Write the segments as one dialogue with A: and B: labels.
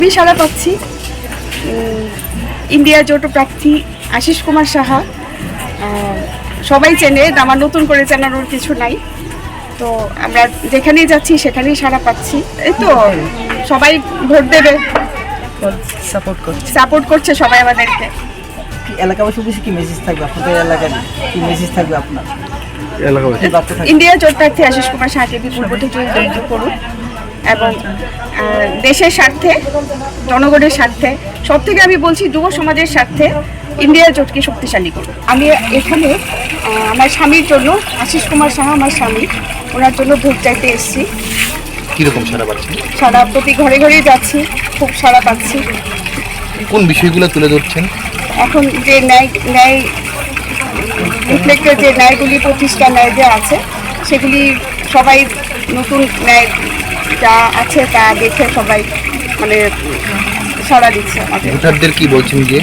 A: আমি সাড়া পাচ্ছি ইন্ডিয়া জোট প্রার্থী আশিস কুমার সাহা। সবাই চেনে, আমার নতুন করে চেনানোর কিছু নাই। তো আমরা যেখানেই যাচ্ছি সেখানেই সাড়া পাচ্ছি। এই তো সবাই ভোট দেবে, সাপোর্ট করছে সবাই আমাদেরকে।
B: এলাকাবাসী উদ্দেশ্যে কি মেসেজ থাকবে আপনাদের এলাকায়, কি মেসেজ থাকবে আপনার
A: ইন্ডিয়া জোট প্রার্থী আশিস কুমার সাহাকে বিপুল ভোটে জয়যুক্ত করুন এবং দেশের স্বার্থে, জনগণের স্বার্থে, সব থেকে আমি বলছি যুব সমাজের স্বার্থে ইন্ডিয়া জোটকে শক্তিশালী করুন। আমি এখানে আমার স্বামীর জন্য, আশিস কুমার সাহা আমার স্বামী, ওনার জন্য ভোট চাইতে এসেছি।
C: কিরকম সাড়া পাচ্ছেন?
A: সারা প্রতি ঘরে ঘরেই যাচ্ছি, খুব সাড়া পাচ্ছি।
C: কোন বিষয়গুলো তুলে ধরছেন?
A: এখন যে ন্যায় রিফ্লেক্টেড যে ন্যায়গুলি, প্রতিষ্ঠা ন্যায় যে আছে, সেগুলি সবাই নতুন ন্যায় যা আছে তা দেখে সবাই মানে সাড়া দিচ্ছে আমাদের।
C: ভোটারদের কি বলছেন যে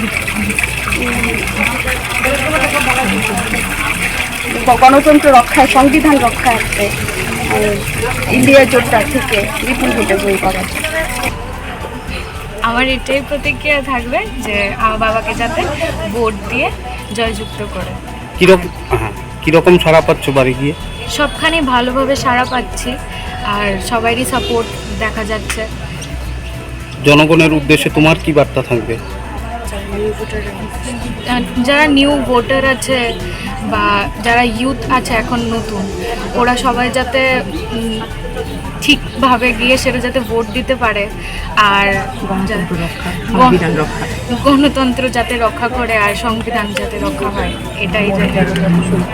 A: গণতন্ত্র রক্ষায়, সংবিধান রক্ষার্থে ইন্ডিয়া জোটটা থেকে বিপুল ভোটে জয়ী করা।
D: আমার এটাই প্রতিক্রিয়া থাকবে যে আমার বাবাকে যাতে ভোট দিয়ে জয়যুক্ত করে।
C: কিরকম সাড়া পাচ্ছ বাড়ি গিয়ে?
D: সবখানে ভালোভাবে সাড়া পাচ্ছি আর সবারই সাপোর্ট দেখা যাচ্ছে।
C: জনগণের উদ্দেশ্যে তোমার কি বার্তা থাকবে?
D: যারা নিউ ভোটার আছে বা যারা ইউথ আছে এখন নতুন, ওরা সবাই যাতে ঠিকভাবে গিয়ে সেটা যাতে ভোট দিতে পারে আর গণতন্ত্র যাতে রক্ষা করে আর সংবিধান যাতে রক্ষা হয়, এটাই